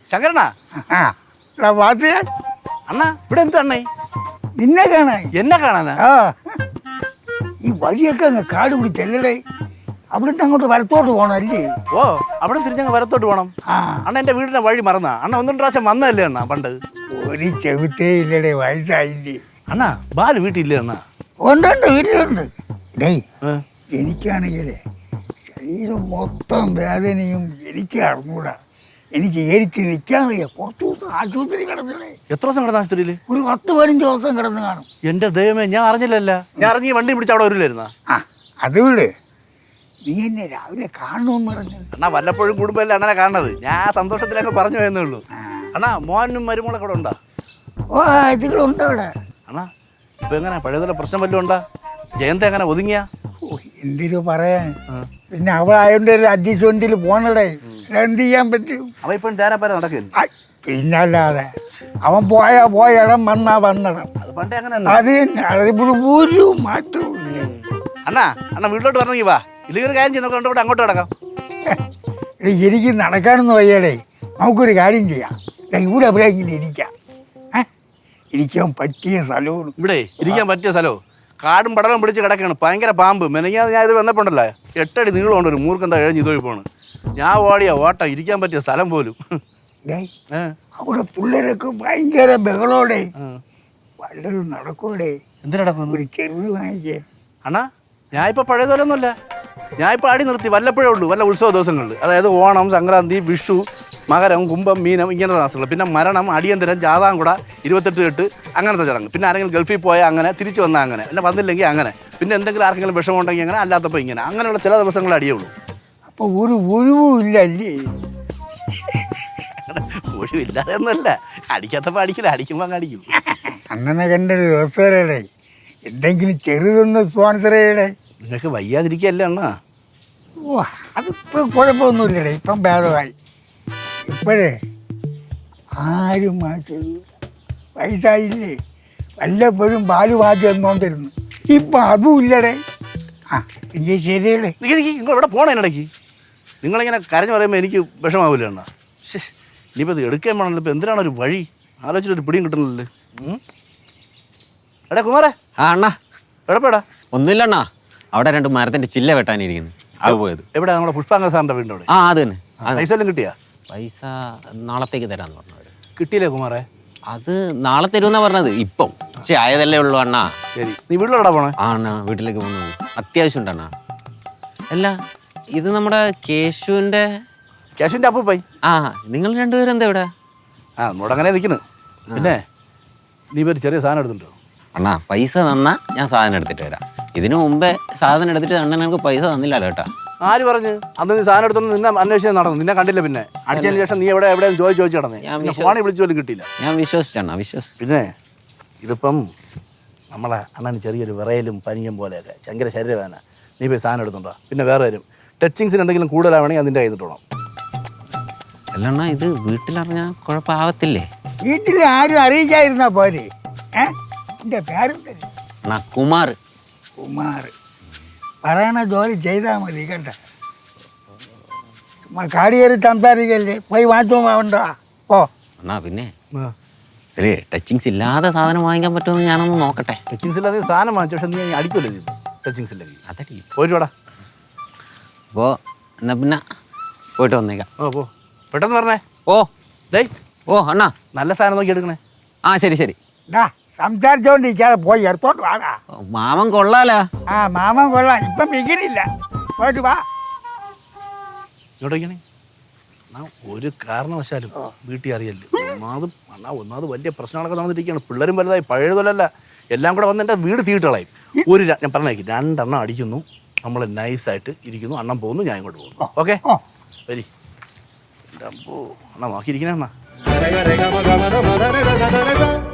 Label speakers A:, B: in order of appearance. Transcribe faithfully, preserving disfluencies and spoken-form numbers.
A: ശങ്കരനാ
B: വാസിയ
A: അണ്ണാ ഇവിടെ എന്താ അണ്ണേ?
B: നിന്നെ കാണാൻ.
A: എന്നെ കാണാനാ?
B: ആ ഈ വഴിയൊക്കെ അങ്ങ് കാട് പിടിച്ചല്ലേ, അവിടുന്ന് അങ്ങോട്ട് വലത്തോട്ട് പോകണം അല്ലേ?
A: ഓ അവിടെ തിരിഞ്ഞങ്ങ് വരത്തോട്ട് പോകണം.
B: ആ
A: അണ്ണ എന്റെ വീടിന്റെ വഴി മറന്നാ? അണ്ണ ഒന്നും പ്രാവശ്യം വന്നതല്ലേ അണ്ണാ പണ്ട്?
B: ഒരു ചെവിത്തേ ഇല്ലടേ, വയസ്സായില്ലേ.
A: അണ്ണാ ബാല് വീട്ടിലില്ലേ അണ്ണാ?
B: ഉണ്ടുണ്ട്, വീട്ടിലുണ്ട്. ഡേയ്
A: ഏ?
B: എനിക്കാണെങ്കിലേ ശരീരം മൊത്തം വേദനയും, എനിക്ക് അറിഞ്ഞൂടാ. എനിക്ക് ഏരിച്ച് നിൽക്കാൻ വയ്യ. കുറച്ച് ദിവസം ആശുപത്രി കിടന്നില്ലേ.
A: എത്ര ദിവസം കിടന്ന ആശുപത്രിയിൽ?
B: ഒരു പത്ത് പതിനഞ്ച് ദിവസം കിടന്ന് കാണും.
A: എന്റെ ദൈവമേ, ഞാൻ അറിഞ്ഞില്ലല്ല. ഞാൻ അറിഞ്ഞ് വണ്ടി പിടിച്ച് അവിടെ വരില്ലായിരുന്നാ?
B: ആ അത് വിട്, നീ എന്നെ രാവിലെ കാണണമെന്ന് പറഞ്ഞത്.
A: അണ്ണാ വല്ലപ്പോഴും കൂടുമ്പോഴല്ലേ അണ്ണനെ കാണുന്നത്. ഞാൻ സന്തോഷത്തിലൊക്കെ പറഞ്ഞു പോയെന്നേ ഉള്ളൂ. അണ്ണാ മോനും മരുമോളൊക്കെ ഇവിടെ ഉണ്ടാ?
B: ഓ ഇതുകളുണ്ട് അവിടെ.
A: അണ്ണാ ഇപ്പൊ എങ്ങനെ പഴയതുപോലെ പ്രശ്നം വല്ലതും ഉണ്ടാ? ജയന്ത എങ്ങനെ ഒതുങ്ങിയാ?
B: ഓ എന്തിനു പറയാൻ, പിന്നെ അവളായോണ്ട് ഒരു അഡ്ജസ്റ്റ്മെന്റിൽ പോണടേ, എന്ത് ചെയ്യാൻ പറ്റും?
A: അവ ഇപ്പം തേരാപ്പാര നടക്കില്ല.
B: ഐ, പിന്നല്ലാതെ അവൻ പോയാ പോയ ഇടം വന്നാ വന്നിടം.
A: അത് പണ്ടേ അങ്ങനെ
B: അത് തന്നെ, അതിപ്പോൾ ഒരു മാറ്റവും ഇല്ല.
A: അണ്ണാ അണ്ണാ വീട്ടിലോട്ട് വരണമെങ്കിൽ വാ, ഇല്ലെങ്കിൽ ഒരു കാര്യം ചെയ്യുന്ന ഇവിടെ അങ്ങോട്ട് കിടക്കാം.
B: എടേ എനിക്ക് നടക്കാനൊന്നും വയ്യടേ. നമുക്കൊരു കാര്യം ചെയ്യാം, ദാ ഇവിടെ എവിടെയെങ്കിലും ഇരിക്കാം. ഏ ഇരിക്കാൻ പറ്റിയ സ്ഥലവും
A: ഇവിടെ ഇരിക്കാൻ പറ്റിയ സ്ഥലമോ? കാടും പടലും പിടിച്ച് കിടക്കുകയാണ്, ഭയങ്കര പാമ്പ്. മെനങ്ങാ ഞാൻ ഇത് വന്നപ്പോണ്ടല്ലേ എട്ടടി നീളമുണ്ട് ഒരു മൂർക്കെന്താ എഴഞ്ഞ് ഇതൊഴി പോണ്. ഞാൻ ഓടിയാ ഓട്ട, ഇരിക്കാൻ പറ്റിയ സ്ഥലം പോലും.
B: ഡേയ്
A: ഏ
B: അവിടെ പിള്ളേരൊക്കെ ഭയങ്കര ബഹളോടെ, വല്ലതും നടക്കൂടെ?
A: എന്തിനാ നടക്കുന്നു?
B: ഒരു ചെറുത് വാങ്ങിക്കേ.
A: അണ്ണാ ഞാൻ ഇപ്പൊ പഴയതുപോലൊന്നുമല്ല. ഞാൻ ഇപ്പൊ അടി നിർത്തി വല്ലപ്പോഴേ ഉള്ളൂ, വല്ല ഉത്സവ ദിവസങ്ങളിൽ. അതായത് ഓണം, സംക്രാന്തി, വിഷു, മകരം, കുംഭം, മീനം, ഇങ്ങനത്തെ മാസങ്ങൾ. പിന്നെ മരണം, അടിയന്തരം, ജാതാംകുട, ഇരുപത്തെട്ട് കെട്ട്, അങ്ങനത്തെ ചടങ്ങ്. പിന്നെ ആരെങ്കിലും ഗൾഫിൽ പോയാൽ അങ്ങനെ, തിരിച്ചു വന്നാൽ അങ്ങനെ, അല്ല വന്നില്ലെങ്കിൽ അങ്ങനെ. പിന്നെ എന്തെങ്കിലും ആർക്കെങ്കിലും വിഷമം ഉണ്ടെങ്കിൽ അങ്ങനെ, അല്ലാത്തപ്പോൾ ഇങ്ങനെ. അങ്ങനെയുള്ള ചില ദിവസങ്ങൾ അടിയുള്ളൂ.
B: അപ്പോൾ ഒരു ഒഴിവും ഇല്ല അല്ലേ?
A: ഒഴിവില്ലാതെ ഒന്നുമല്ല, അടിക്കാത്തപ്പോൾ അടിക്കില്ല, അടിക്കുമ്പോൾ അങ്ങ് അടിക്കും.
B: അങ്ങനെ കണ്ടൊരു ദിവസം വരടേ, എന്തെങ്കിലും ചെറുതൊന്ന് സ്പോൺസർ ചെയ്യടേ.
A: നിങ്ങൾക്ക് വയ്യാതിരിക്കുകയല്ലേ അണ്ണാ?
B: ഓ അതിപ്പോൾ കുഴപ്പമൊന്നുമില്ലടേ, ഇപ്പം ഭേദമായി. ഇപ്പോഴേ ആരും മാറ്റരുത്, വയസ്സായില്ലേ. വല്ലപ്പോഴും പാല് മാറ്റി വന്നുകൊണ്ടിരുന്നു, ഇപ്പം അതും ഇല്ലടേ. ആ എനിക്ക് ശരിയടേ.
A: നിങ്ങൾ ഇവിടെ പോകണേ ഇടയ്ക്ക്? നിങ്ങളിങ്ങനെ കരഞ്ഞു പറയുമ്പോൾ എനിക്ക് വിഷമാവില്ല അണ്ണാ. ശേ ഇനിയിപ്പോൾ ഇത് എടുക്കാൻ വേണമല്ലോ. ഇപ്പോൾ എന്തിനാണ് ഒരു വഴി ആലോചിച്ചിട്ടൊരു പിടിയും കിട്ടണല്ലേ. എടാ കുമാരേ.
C: ആ അണ്ണാ
A: എടപ്പേടാ?
C: ഒന്നുമില്ല അണ്ണാ, അവിടെ രണ്ട് മരത്തിന്റെ ചില്ല വെട്ടാനിരിക്കുന്നു, അത് പോയത്.
A: എവിടെ? നമ്മുടെ പുഷ്പാങ്ക സാറിൻ്റെ വീടിൻ്റെ അവിടെ?
C: ആ അത് തന്നെ.
A: പൈസ എല്ലാം കിട്ടിയാ?
C: പൈസ നാളത്തേക്ക് തരാന്ന് പറഞ്ഞവര്.
A: കിട്ടിയില്ലേ കുമാരേ?
C: അത് നാളെ തരുമെന്നാ പറഞ്ഞത്. ഇപ്പം പക്ഷേ ആയതല്ലേ ഉള്ളൂ അണ്ണാ.
A: ശരി, നീ വീട്ടിലോടാ പോണേ?
C: ആ അണ്ണാ വീട്ടിലേക്ക് പോന്നു, അത്യാവശ്യം ഉണ്ട് അണ്ണാ. അല്ല ഇത് നമ്മുടെ കേശുവിന്റെ
A: കേശുവിൻ്റെ അപ്പൂപ്പായി.
C: ആ നിങ്ങൾ രണ്ടുപേരും എന്താ ഇവിടെ?
A: ആ നമ്മോട് അങ്ങനെ നിൽക്കുന്നു. പിന്നെ നീ ഒരു ചെറിയ സാധനം എടുത്തിട്ടുണ്ടോ?
C: അണ്ണാ പൈസ തന്നാ ഞാൻ സാധനം എടുത്തിട്ട് വരാം. ഇതിനു മുമ്പേ സാധനം എടുത്തിട്ട് അണ്ണൻ എനിക്ക് പൈസ തന്നില്ലല്ലോ കേട്ടാ.
A: ആര് പറഞ്ഞു? അന്ന് നീ സാധനം എടുത്തോണ്ട് നിന്നെ അന്വേഷിച്ച് നടന്നു, നിന്നെ കണ്ടില്ല. പിന്നെ അടിച്ചതിന് ശേഷം നീ എവിടെ എവിടെയും ചോദിച്ചു ചോദിച്ചു നടന്നേ, ഫോണിൽ വിളിച്ചു പോലും കിട്ടിയില്ല.
C: ഞാൻ വിശ്വസിച്ചണ്ണാ, വിശ്വസിച്ചു.
A: പിന്നെ ഇതിപ്പം നമ്മളെ അണ്ണന് ചെറിയൊരു വിറയലും പനിയും പോലെയൊക്കെ, ഭയങ്കര ശരീരവേദന. നീ പോയി സാധനം എടുത്തുണ്ടോ? പിന്നെ വേറെ വരും ടച്ചിങ്സിന് എന്തെങ്കിലും കൂടുതലാവണമെങ്കിൽ അതിൻ്റെ കയ്യിട്ടോണം.
C: അല്ലണ്ണാ ഇത് വീട്ടിലറിഞ്ഞാൽ കുഴപ്പമാവത്തില്ലേ?
B: വീട്ടിൽ ആരും അറിയിച്ചായിരുന്നാ പോരെ? ഏ എൻ്റെ പേരെന്തല്ലേ?
C: അണ്ണാ കുമാർ.
B: കുമാർ പറയണ ജോലി ചെയ്താൽ മതി കേട്ടോ. കാടി കയറി സംസാരിക്കല്ലേ, പോയി മാറ്റവും ആവണ്ടോ? ഓ
C: അണ്ണാ പിന്നെ അല്ലേ ടച്ചിങ്സ് ഇല്ലാതെ സാധനം വാങ്ങിക്കാൻ പറ്റുമെന്ന് ഞാനൊന്ന് നോക്കട്ടെ.
A: ടച്ചിങ്സ് ഇല്ലാതെ സാധനം വാങ്ങിച്ചു, പക്ഷെ നീ അടിക്കുമല്ലോ നീ ടച്ചിങ്സ് ഇല്ലെങ്കിൽ.
C: അതടി
A: പോയിട്ട് വേടാ.
C: അപ്പോൾ എന്നാ പിന്നെ പോയിട്ട് വന്നേക്കാം.
A: ഓ പോ, പെട്ടെന്ന് പറഞ്ഞേ.
C: ഓ
A: ഡേയ്
C: ഓ അണ്ണാ
A: നല്ല സാധനം നോക്കി എടുക്കണേ.
C: ആ ശരി ശരി.
B: ഡാ സംസാരിച്ചോണ്ടിരിക്കാതെ പോയി എടുത്തോട്ട് വാടാ.
C: മാമൻ കൊള്ളാലോ.
B: ആ മാമൻ കൊള്ളാം, ഇപ്പം മികനില്ല. പോയിട്ട് വാ.
A: ഇങ്ങോട്ടേക്കണേ. എന്നാ ഒരു കാരണവശാലും വീട്ടിൽ അറിയല്ലേ. ഒന്നാമത് അണ്ണാ ഒന്നാമത് വലിയ പ്രശ്നങ്ങളൊക്കെ നടന്നിരിക്കുകയാണ്. പിള്ളേരും വലുതായി, പഴയതുപോലല്ല. എല്ലാം കൂടെ വന്ന് എൻ്റെ വീട് തീട്ടളയും. ഒരു ഞാൻ പറഞ്ഞേക്ക് രണ്ടെണ്ണം അടിക്കുന്നു, നമ്മൾ നൈസായിട്ട് ഇരിക്കുന്നു. അണ്ണം പോകുന്നു, ഞാൻ ഇങ്ങോട്ട് പോകുന്നു. ഓക്കെ വരി. എൻ്റെ അമ്പോ അണ്ണാ നോക്കിയിരിക്കണേ അണ്ണാ.